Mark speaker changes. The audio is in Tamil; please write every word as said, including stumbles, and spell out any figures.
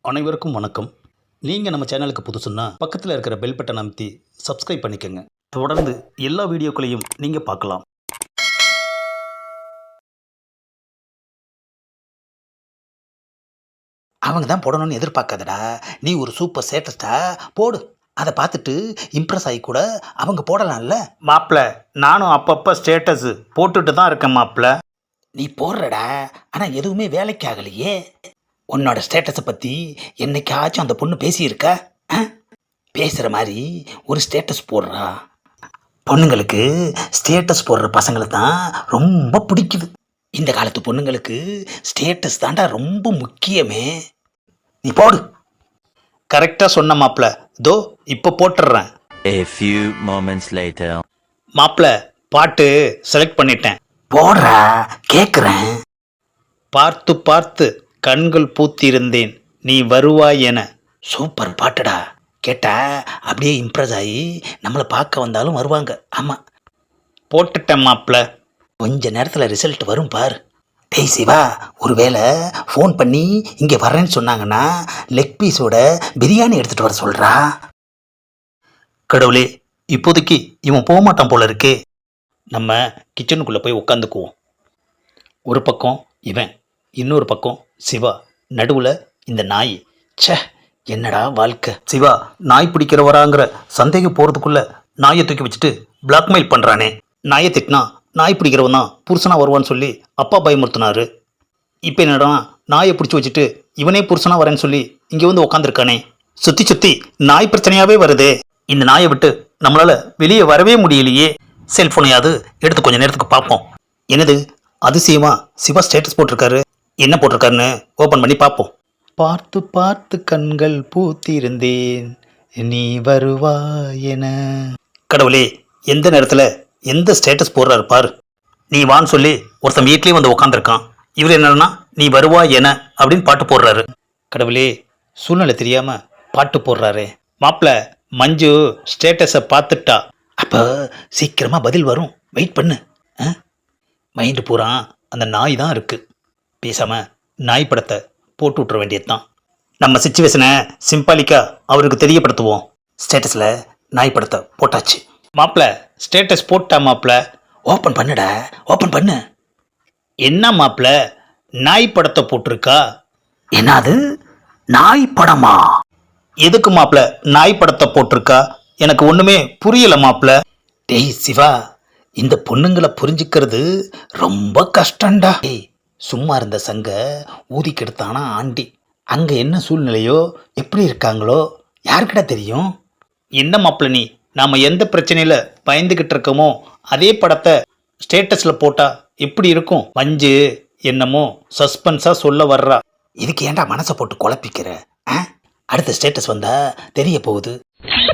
Speaker 1: அனைவருக்கும் வணக்கம். நீங்கள் நம்ம சேனலுக்கு புதுசுன்னா பக்கத்தில் இருக்கிற பெல் பட்டன் அமைத்தி சப்ஸ்கிரைப் பண்ணிக்கோங்க. தொடர்ந்து எல்லா வீடியோக்களையும் நீங்கள் பார்க்கலாம்.
Speaker 2: அவங்க தான் போடணும்னு எதிர்பார்க்காதடா. நீ ஒரு சூப்பர் ஸ்டேட்டஸ்டா போடு. அதை பார்த்துட்டு இம்ப்ரெஸ் ஆகி கூட அவங்க போடலாம்ல.
Speaker 1: மாப்பிள்ள, நானும் அப்பப்போ ஸ்டேட்டஸ் போட்டுட்டு தான் இருக்கேன் மாப்பிள்ள.
Speaker 2: நீ போடுறடா, ஆனால் எதுவுமே வேலைக்கு ஆகலையே. உன்னோட ஸ்டேட்டஸை பற்றி என்னைக்காச்சும் அந்த பொண்ணு பேசியிருக்கா? பேசுகிற மாதிரி ஒரு ஸ்டேட்டஸ் போடுறா. பொண்ணுங்களுக்கு ஸ்டேட்டஸ் போடுற பசங்களை தான் ரொம்ப பிடிக்குது. இந்த காலத்து பொண்ணுங்களுக்கு ஸ்டேட்டஸ் தாண்டா ரொம்ப முக்கியமே. நீ போடு.
Speaker 1: கரெக்டாக சொன்ன மாப்பிள்ள. தோ இப்போ போட்டுடுறேன்.
Speaker 3: A few moments later.
Speaker 1: மாப்பிள்ள, பாட்டு செலக்ட் பண்ணிட்டேன்.
Speaker 2: போடுறா, கேட்குறேன்.
Speaker 1: பார்த்து பார்த்து கண்கள் பூத்திருந்தேன், நீ வருவாய் என.
Speaker 2: சூப்பர் பாட்டுடா. கேட்டா அப்படியே இம்ப்ரெஸ் ஆகி நம்மளை பார்க்க வந்தாலும் வருவாங்க. ஆமாம்,
Speaker 1: போட்டுட்டேன் மாப்பிள்ள.
Speaker 2: கொஞ்ச நேரத்தில் ரிசல்ட் வரும் பார். டேய் சிவா, ஒருவேளை ஃபோன் பண்ணி இங்கே வரேன்னு சொன்னாங்கன்னா லெக் பீஸோட பிரியாணி எடுத்துகிட்டு வர சொல்கிறா.
Speaker 1: கடவுளே, இப்போதைக்கு இவன் போக மாட்டான் போல இருக்கே. நம்ம கிச்சனுக்குள்ளே போய் உட்காந்துக்குவோம். ஒரு பக்கம் இவன், இன்னொரு பக்கம் சிவா, நடுவில் இந்த நாய்.
Speaker 2: ச்சே, என்னடா வாழ்க்கை.
Speaker 1: சிவா நாய் பிடிக்கிறவராங்கிற சந்தேகம் போகிறதுக்குள்ளே நாயை தூக்கி வச்சுட்டு பிளாக்மெயில் பண்ணுறானே. நாயை திட்டினா நாய் பிடிக்கிறவன் தான் புருஷனாக வருவான்னு சொல்லி அப்பா பயமுறுத்தினாரு. இப்போ என்னடா நாயை பிடிச்சி வச்சுட்டு இவனே புருஷனாக வரேன்னு சொல்லி இங்கே வந்து உக்காந்துருக்கானே. சுற்றி சுற்றி நாய் பிரச்சனையாகவே வருதே. இந்த நாயை விட்டு நம்மளால் வெளியே வரவே முடியலையே. செல்ஃபோனையாவது எடுத்து கொஞ்சம் நேரத்துக்கு பார்ப்போம். என்னது அதிசயமா சிவா ஸ்டேட்டஸ் போட்டிருக்காரு. என்ன போட்டிருக்காருன்னு ஓப்பன் பண்ணி பார்ப்போம். பார்த்து பார்த்து கண்கள் பூத்திருந்தேன், நீ வருவா என. கடவுளே, எந்த நேரத்தில் எந்த ஸ்டேட்டஸ் போடுறாரு பாரு. நீ வான்னு சொல்லி ஒருத்தன் வீட்லேயே வந்து உக்காந்துருக்கான். இவர் என்னன்னா நீ வருவா என அப்படின்னு பாட்டு போடுறாரு. கடவுளே, சூழ்நிலை தெரியாமல் பாட்டு போடுறாரு. மாப்பிள்ள, மஞ்சு ஸ்டேட்டஸை பார்த்துட்டா.
Speaker 2: அப்போ சீக்கிரமாக பதில் வரும், வெயிட் பண்ணு.
Speaker 1: மைண்டு பூரா அந்த நாய் தான் இருக்குது. பேசாமல் நாய் படத்தை போட்டு விட்ற வேண்டியது தான். நம்ம சிச்சுவேஷனை சிம்பாலிக்காக அவருக்கு தெரியப்படுத்துவோம்.
Speaker 2: ஸ்டேட்டஸில் நாய் படத்தை போட்டாச்சு.
Speaker 1: மாப்பிள்ள, ஸ்டேட்டஸ் போட்டா மாப்பிள்ள.
Speaker 2: ஓப்பன் பண்ணுடா, ஓப்பன் பண்ணு.
Speaker 1: என்ன மாப்பிள்ள, நாய் படத்தை போட்டிருக்கா?
Speaker 2: என்னது நாய் படமா?
Speaker 1: எதுக்கு மாப்பிள்ள நாய் படத்தை போட்டிருக்கா? எனக்கு ஒன்றுமே புரியல மாப்பிள்ள.
Speaker 2: டேய் சிவா, இந்த பொண்ணுங்களை புரிஞ்சுக்கிறது ரொம்ப கஷ்டம்டா. டேய், சும்மா இருந்த சங்க ஊதி கெடுத்தானா ஆண்டி. அங்கே என்ன சூழ்நிலையோ எப்படி இருக்காங்களோ யாருக்கிட்ட தெரியும்.
Speaker 1: என்ன மாப்பிள்ள நீ, நாம் எந்த பிரச்சனையில் பயந்துக்கிட்டு இருக்கோமோ அதே படத்தை ஸ்டேட்டஸில் போட்டால் எப்படி இருக்கும்? மஞ்சு என்னமோ சஸ்பென்ஸாக சொல்ல வர்றா.
Speaker 2: இதுக்கு ஏன்டா மனசை போட்டு குழப்பிக்கிற? அடுத்த ஸ்டேட்டஸ் வந்தால் தெரிய போகுது.